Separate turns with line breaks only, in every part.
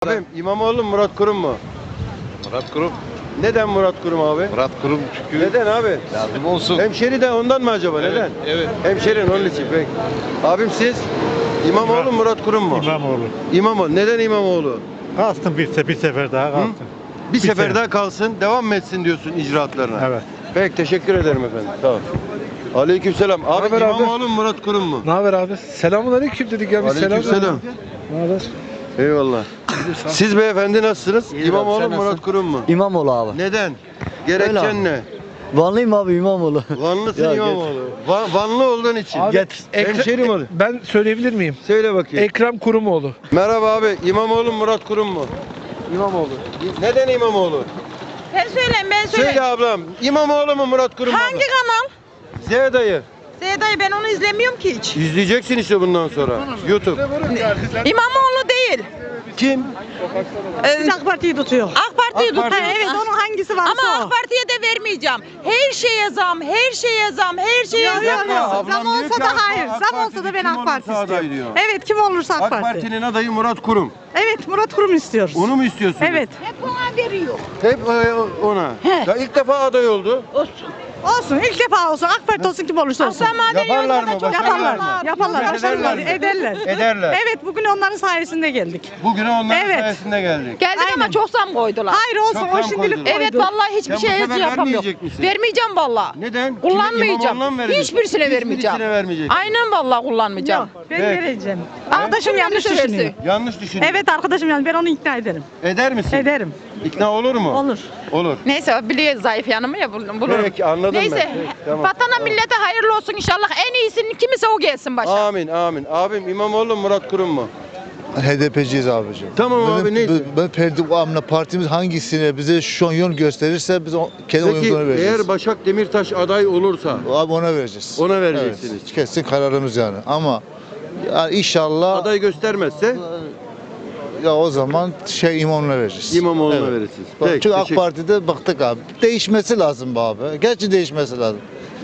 Abim İmamoğlu mu Murat Kurum mu?
Murat Kurum.
Neden Murat Kurum abi?
Murat Kurum çünkü
Neden abi?
lazım olsun.
Hemşeri de ondan mı acaba?
Evet,
Neden?
evet.
Hemşerin onun için. Peki. Abim siz İmamoğlu mu Murat Kurum mu?
İmamoğlu.
İmamoğlu. Neden İmamoğlu?
Kalsın bir sefer daha kalsın.
Bir sefer
sefer.
daha kalsın, devam mı etsin diyorsun icraatlarına?
Evet.
Peki teşekkür ederim efendim. Tamam. Aleykümselam. Abi
Haber abi?
İmamoğlu mu Murat Kurum mu?
Ne haber abi? Selamünaleyküm dedik ya biz
Aleykümselam.
Ne haber?
Eyvallah. Siz beyefendi nasılsınız? İmamoğlu mu Murat Kurum mu?
İmamoğlu abi.
Neden? Gerekçen
Öyle
ne?
Vanlıyım abi İmamoğlu.
Vanlısın
Ya,
İmamoğlu. Vanlı olduğun için.
Abi,
Hemşerim olur.
Ben söyleyebilir miyim?
Söyle bakayım.
Ekrem Kurumoğlu.
Merhaba abi. İmamoğlu mu Murat Kurum mu?
İmamoğlu.
Neden İmamoğlu?
Ben söyleyeyim, ben söyleyeyim.
Söyle ablam. İmamoğlu mu Murat Kurum mu?
Hangi kanal?
Z dayı.
Dayı ben onu izlemiyorum ki hiç.
İzleyeceksin işte bundan sonra. YouTube.
İmamoğlu değil.
Kim?
Siz AK Parti'yi tutuyor.
AK Parti'yi
AK Parti.
tutuyor.
Evet onun hangisi varsa
Ama
o.
AK Parti'ye de vermeyeceğim. Her şeye zam, her şeye zam, her şeye
Yok,
zam.
yok, yok.
ablam
Zam
diyor
olsa
ki
da
AK
hayır.
AK
Zam olsa
Parti'de
da ben
kim
AK Parti
olursa aday
istiyorum.
diyor.
Evet kim olursa AK,
AK
Parti.
Parti'nin adayı Murat Kurum.
Evet Murat Kurum istiyoruz.
Onu mu istiyorsun?
Evet.
Hep ona veriyor.
Hep ona. Ya ilk defa aday oldu.
Olsun ilk defa olsun AK Parti olsun kim olursa olsun.
Yaparlar mı? Başarırlar
Yaparlar.
mı?
Yaparlar. Başarırlar.
Ederler mi?
Ederler.
Ederler.
Evet bugün onların sayesinde geldik.
Bugüne onların
Evet.
sayesinde geldik.
Geldik
Aynen.
ama çok zam koydular.
Hayır olsun
Çok
o
zam
şimdilik
koydular.
koydu.
Evet vallahi hiçbir
Sen bu
şeye
sefer
yapamıyorum.
vermeyecek misin?
Vermeyeceğim vallahi.
Neden?
Kullanmayacağım.
İmamoğlu'na mı vereceksin?
Hiçbirisine vermeyeceğim.
Hiçbirisine vermeyeceksin.
Aynen vallahi kullanmayacağım.
Yok ben
Peki.
vereceğim. Arkadaşım yanlış
Yanlış
düşünüyor.
versin.
Yanlış düşünüyor.
Evet arkadaşım yani ben onu ikna ederim.
Eder misin?
Ederim.
İkna olur mu?
Olur.
Olur.
Neyse biliyor zayıf yanımı ya bulurum.
Peki anladım
Neyse
ben. Peki, tamam.
vatana millete hayırlı olsun inşallah. En iyisinin kimse o gelsin başa.
Amin amin. Abim İmamoğlu mu Murat Kurum mu?
HDP'ciyiz abicim.
Tamam abi, neyse.
Ben Ferdi Amına partimiz hangisine bize şu an yön gösterirse biz kendi
Peki
oyumuzu ona vereceğiz.
eğer Başak Demirtaş aday olursa
Abi ona vereceğiz.
ona vereceksiniz.
Evet, kesin kararımız yani. Ama yani inşallah
Aday göstermezse
ya o zaman İmamoğlu'na vereceğiz.
İmamoğlu'na
Evet.
verirsiniz.
Bak,
Peki,
çünkü AK
teşekkür-
Parti'de baktık abi. Değişmesi lazım be abi. Gerçi değişmesi lazım.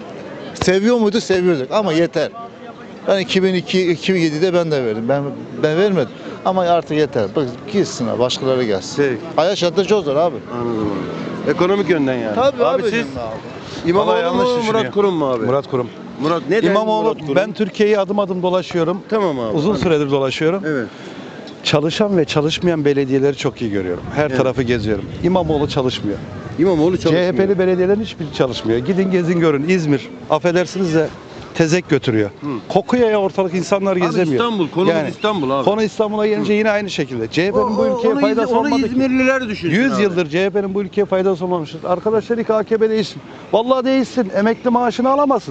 Seviyor muydu? Seviyorduk ama yeter. Ben 2007'de ben de verdim. Ben vermedim. Ama artık yeter. Bak gitsin abi, başkaları gelsin.
Peki.
Hayat şartları çok zor abi.
Anladım abi. Ekonomik yönden yani.
Tabii
abi
abi.
siz
Abi.
İmamoğlu
Vallahi yanlış
mu Murat
düşünüyor.
Kurum mu abi?
Murat Kurum.
Murat neden
İmamoğlu,
Murat Kurum?
ben Türkiye'yi adım adım dolaşıyorum.
Tamam abi.
Uzun süredir dolaşıyorum.
Evet.
Çalışan ve çalışmayan belediyeleri çok iyi görüyorum. Her
Evet.
tarafı geziyorum. İmamoğlu çalışmıyor.
İmamoğlu çalışmıyor.
CHP'li belediyelerin hiçbiri çalışmıyor. Gidin gezin görün. İzmir, affedersiniz de tezek götürüyor. Kokuyor ya ortalık, insanlar
Abi
gezemiyor.
İstanbul, konumuz İstanbul abi.
Konu İstanbul'a gelince yine aynı şekilde. CHP'nin bu ülkeye faydası
onu
olmadı ki.
İzmirliler düşünsün
100
abi.
yıldır CHP'nin bu ülkeye faydası olmamıştır. Arkadaşlar ilk AKP değilsin. Vallahi değilsin. Emekli maaşını alamazsın.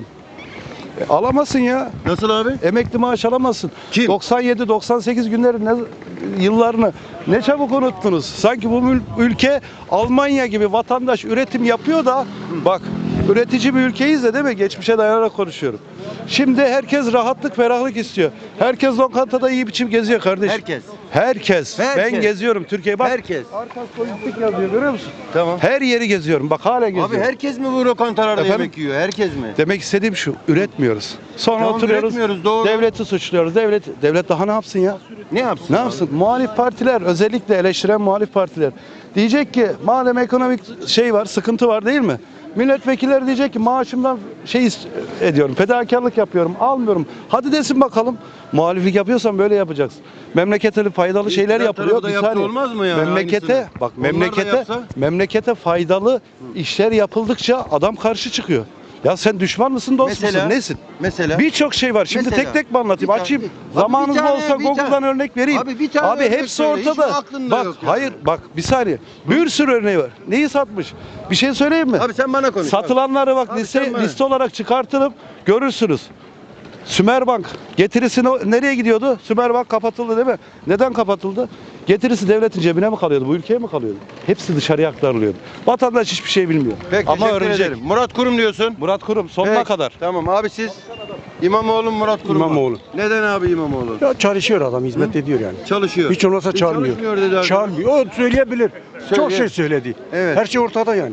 Alamazsın ya.
Nasıl abi?
Emekli maaş alamazsın.
Kim?
97-98 günleri yıllarını ne çabuk unuttunuz. Sanki bu ülke Almanya gibi vatandaş üretim yapıyor da bak üretici bir ülkeyiz de değil mi? Geçmişe dayanarak konuşuyorum. Şimdi herkes rahatlık, ferahlık istiyor. Herkes lokantada iyi biçim geziyor kardeşim.
Herkes.
Herkes.
Herkes.
Ben geziyorum Türkiye'yi. Bak.
Herkes.
Arkas Lojistik yazıyor görüyor musun?
Tamam.
Her yeri geziyorum. Bak hala geziyorum.
Abi herkes mi bu lokantalarda
Efendim?
yemek yiyor? Herkes mi?
Demek istediğim şu, üretmiyoruz. Sonra
Tamam,
oturuyoruz,
üretmiyoruz, doğru.
devleti suçluyoruz. Devlet daha ne yapsın ya?
Ne yapsın?
Ne
abi?
yapsın? Muhalif partiler, özellikle eleştiren muhalif partiler diyecek ki madem ekonomik şey var, sıkıntı var değil mi? Milletvekilleri diyecek ki maaşımdan ediyorum, fedakarlık yapıyorum, almıyorum. Hadi desin bakalım. Muhaliflik yapıyorsan böyle yapacaksın. Memlekete faydalı şeyler
İktidar
yapılıyor.
tarafı da
Bir
yapsa
saniye.
olmaz mı yani
Memlekete
aynısını?
bak
Onlar da
memlekete
yapsa?
memlekete faydalı işler yapıldıkça adam karşı çıkıyor. Ya sen düşman mısın, dost
Mesela?
musun, nesin?
Mesela?
Birçok şey var. Şimdi
Mesela?
tek tek mi anlatayım?
Bir tane-
Açayım.
Abi
Zamanınız
bir tane-
olsa
bir
Google'dan
tane-
örnek vereyim.
Abi bir tane örnek
hepsi
söyle. Hiç
ortada.
aklında
Bak
yok yani.
hayır bak bir saniye. Bir sürü örneği var. Neyi satmış? Bir şey söyleyeyim mi?
Abi sen bana konuş.
Satılanları bak
Abi sen bana-
liste olarak çıkartılıp görürsünüz. Sümerbank getirisi nereye gidiyordu? Sümerbank kapatıldı değil mi? Neden kapatıldı? Getirisi devletin cebine mi kalıyordu? Bu ülkeye mi kalıyordu? Hepsi dışarıya aktarılıyordu. Vatandaş hiçbir şey bilmiyor.
Peki,
Ama
teşekkür
öğrenecek.
ederim. Murat Kurum diyorsun.
Murat Kurum sonuna
Peki,
kadar.
Tamam abi siz İmamoğlu mu Murat Kurum mu?
İmamoğlu.
Neden abi İmamoğlu?
Ya çalışıyor adam, hizmet ediyor yani.
Çalışıyor.
Hiç olmazsa
Hiç
çağırmıyor.
çalışmıyor dedi abi.
Çağırmıyor. O söyleyebilir. Çok şey söyledi.
Evet.
Her şey ortada yani.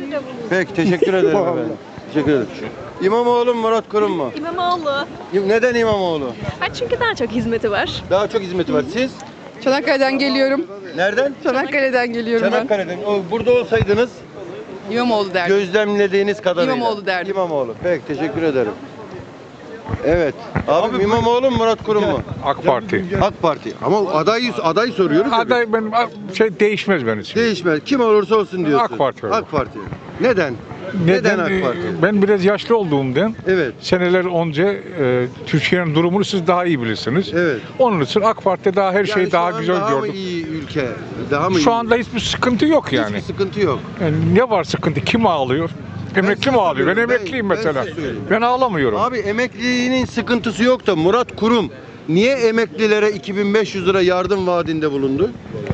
Peki teşekkür ederim
Vallahi.
efendim. Teşekkür ederim. İmamoğlu mu Murat Kurum mu?
İmamoğlu.
Neden İmamoğlu?
Ha, çünkü daha çok hizmeti var.
Daha çok hizmeti var. Siz?
Çanakkale'den geliyorum.
Nereden?
Çanakkale'den geliyorum
Çanakkale'den. Burada olsaydınız
ben. İmamoğlu derdim.
gözlemlediğiniz kadarıyla.
İmamoğlu derdim.
İmamoğlu. Peki teşekkür ederim. Evet. Abi İmamoğlu mu Murat Kurum mu?
AK Parti.
AK Parti. Ama aday soruyoruz. tabii.
Aday benim değişmez benim için.
Değişmez. Kim olursa olsun diyorsun.
AK Parti olur.
AK Parti. Neden? Neden AK Parti?
Ben biraz yaşlı olduğumdan
Evet.
seneler önce Türkiye'nin durumunu siz daha iyi bilirsiniz.
Evet.
Onun için AK Parti daha her şeyi
Yani
daha
şu an
güzel
daha mı
gördüm.
iyi ülke? Daha mı iyi?
Şu anda hiçbir sıkıntı yok yani.
Hiçbir sıkıntı yok.
Yani ne var sıkıntı? Kim ağlıyor? Emekli
size
mi ağlıyor? Ben
soruyorum.
emekliyim
Ben
mesela.
size söyleyeyim.
Ben ağlamıyorum.
Abi emekliliğinin sıkıntısı yok da Murat Kurum niye emeklilere 2500 lira yardım vaadinde bulundu?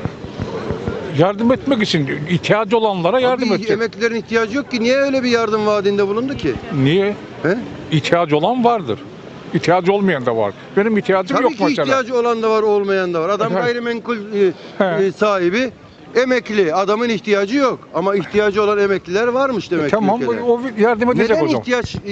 Yardım etmek için ihtiyacı olanlara yardım
Abi
edecek.
emeklilerin ihtiyacı yok ki. Niye öyle bir yardım vaadinde bulundu ki?
Niye?
He?
İhtiyacı olan vardır. İhtiyacı olmayan da var. Benim ihtiyacım
Tabii
yok
ki
mesela.
ihtiyacı olan da var, olmayan da var. Adam
Evet.
gayrimenkul
He.
sahibi, emekli. Adamın ihtiyacı yok. Ama ihtiyacı olan emekliler varmış demek ki
Tamam
ülkede.
o yardım edecek
Neden
o zaman.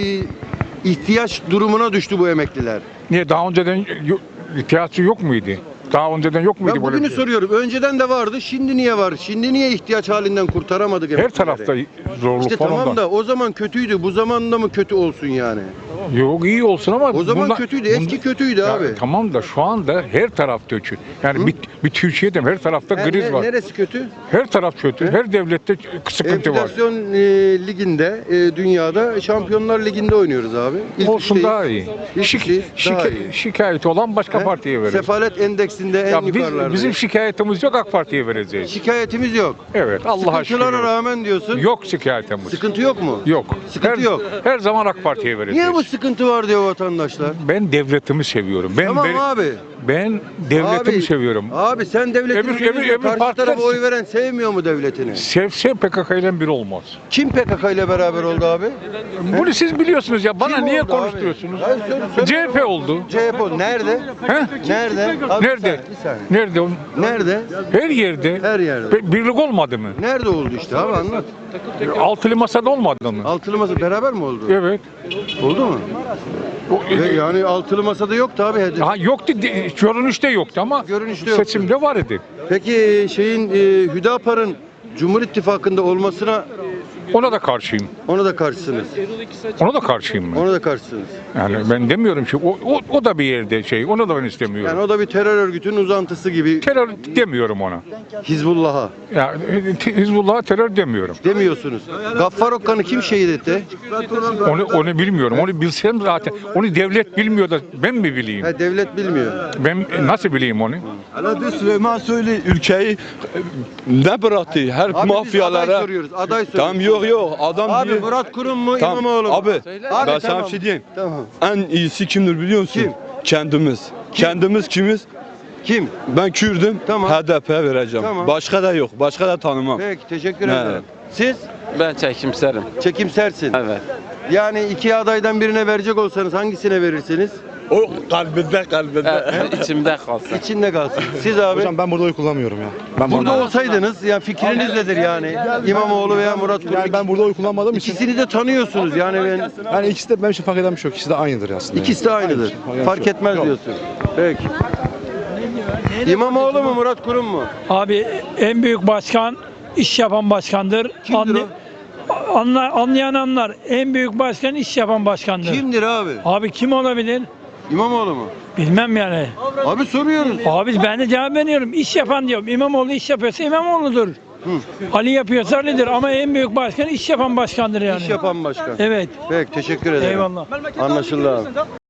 ihtiyaç durumuna düştü bu emekliler?
Niye daha önceden ihtiyacı yok muydu? Daha önceden yok muydu
Ben
böyle
bugünü
bir şey?
soruyorum. Önceden de vardı. Şimdi niye var? Şimdi niye ihtiyaç halinden kurtaramadık
Her
emeklileri?
tarafta zorluk
İşte
falan
tamam
da.
da o zaman kötüydü. Bu zamanda mı kötü olsun yani?
Yok iyi olsun ama
O zaman
bundan-
kötüydü. Eski
bundan-
kötüydü
Ya
abi.
tamam da şu anda her taraf kötü. Yani
Hı?
bir Türkiye'de her tarafta kriz var.
Neresi kötü?
Her taraf kötü. Her devlette sıkıntı var.
Enflasyon liginde, dünyada Şampiyonlar Ligi'nde oynuyoruz abi. İlk
Olsun
üçteyiz.
daha iyi.
İlk üçteyiz, daha iyi.
Şikayeti olan başka
He?
partiye verir.
Sefalet endeksinde en
Ya
yukarılarda.
bizim şikayetimiz yok, AK Parti'ye vereceğiz.
Şikayetimiz yok.
Evet, Allah'a şükür.
Sıkıntılara rağmen diyorsun.
Yok şikayetimiz.
Sıkıntı yok mu?
Yok.
Sıkıntı yok.
Her zaman AK Parti'ye vereceğiz.
Niye bu sıkıntı var diyor vatandaşlar?
Ben devletimi seviyorum.
Tamam abi.
Ben devletimi
Abi,
seviyorum.
Abi sen devletini seviyorsun. Karşı
partiler-
tarafa oy veren sevmiyor mu devletini?
Sevse PKK ile bir olmaz.
Kim PKK ile beraber oldu abi?
Bunu siz biliyorsunuz ya. Bana
Kim
niye
oldu abi?
konuşturuyorsunuz?
Hayır, söyle
CHP oldu.
CHP oldu. Nerede?
He?
Nerede? Abi
Nerede?
Bir saniye.
Nerede?
Nerede?
Her yerde.
Her yerde.
Birlik olmadı mı?
Nerede oldu işte abi anlat.
Altılı masada olmadı mı?
Altılı masa beraber mi oldu?
Evet.
Oldu mu?
O-
Yani altılı masada yoktu abi hedef.
Ha, yoktu. Görünüşte yoktu ama
Görünüşte yoktu.
seçimde var idi.
Peki şeyin Hüdapar'ın Cumhur İttifakı'nda olmasına
Ona da karşıyım.
ona da karşısınız.
Ona da karşıyım ben.
Ona da karşısınız.
Yani ben demiyorum ki o da bir yerde şey. Onu da ben istemiyorum.
Yani o da bir terör örgütünün uzantısı gibi
Terör demiyorum ona.
Hizbullah'a
Ya Hizbullah'a terör demiyorum.
demiyorsunuz. Gaffar Okkan'ı kim şehit etti?
Onu bilmiyorum. Onu bilsem zaten. Onu devlet bilmiyor da ben mi bileyim?
Ha, devlet bilmiyor.
Ben nasıl bileyim onu?
Hadi Süleyman söyle ülkeyi ne bıraktı her
Abi biz aday
mafyalara.
soruyoruz. Aday soruyoruz.
Tamam yok adam
Abi
diye.
Murat Kurum mu
Tamam,
İmamoğlu mu?
abi,
Abi,
ben sana
tamam.
bir şey diyeyim.
Tamam.
En iyisi kimdir biliyor musun?
Kim?
Kendimiz. Kendimiz kimiz?
Kim?
Ben Kürdüm.
Tamam.
HDP'ye vereceğim.
Tamam.
Başka da yok. Başka da tanımam.
Peki teşekkür
Ne?
ederim. Siz
Ben çekimserim.
çekimsersin.
Evet.
Yani iki adaydan birine verecek olsanız hangisine verirsiniz?
O kalbinde.
İçimde kalsın.
İçinde kalsın. Siz abi
ben burada oy kullanmıyorum ya.
burada olsaydınız ya fikriniz nedir yani? İmamoğlu veya Murat Kurum.
burada oy kullanmadığım
İkisini de tanıyorsunuz yani
yani ikisi de benim için fark eden bir şey yok. İkisi de aynıdır aslında.
ikisi de aynıdır. Fark etmez diyorsun. Peki. İmamoğlu mu Murat Kurum mu?
Abi en büyük başkan iş yapan başkandır.
Kimdir o?
Anlayan anlar. En büyük başkan iş yapan başkandır.
Kimdir abi?
Abi kim olabilir?
İmamoğlu mu?
Bilmem yani.
Abi soruyoruz.
Abi ben de cevap veriyorum. İş yapan diyorum. İmamoğlu iş yapıyorsa İmamoğlu'dur. Ali yapıyorsa Ali'dir ama en büyük başkan iş yapan başkandır yani.
İş yapan başkan.
Evet.
Peki teşekkür ederim.
Eyvallah.
Anlaşıldı abi.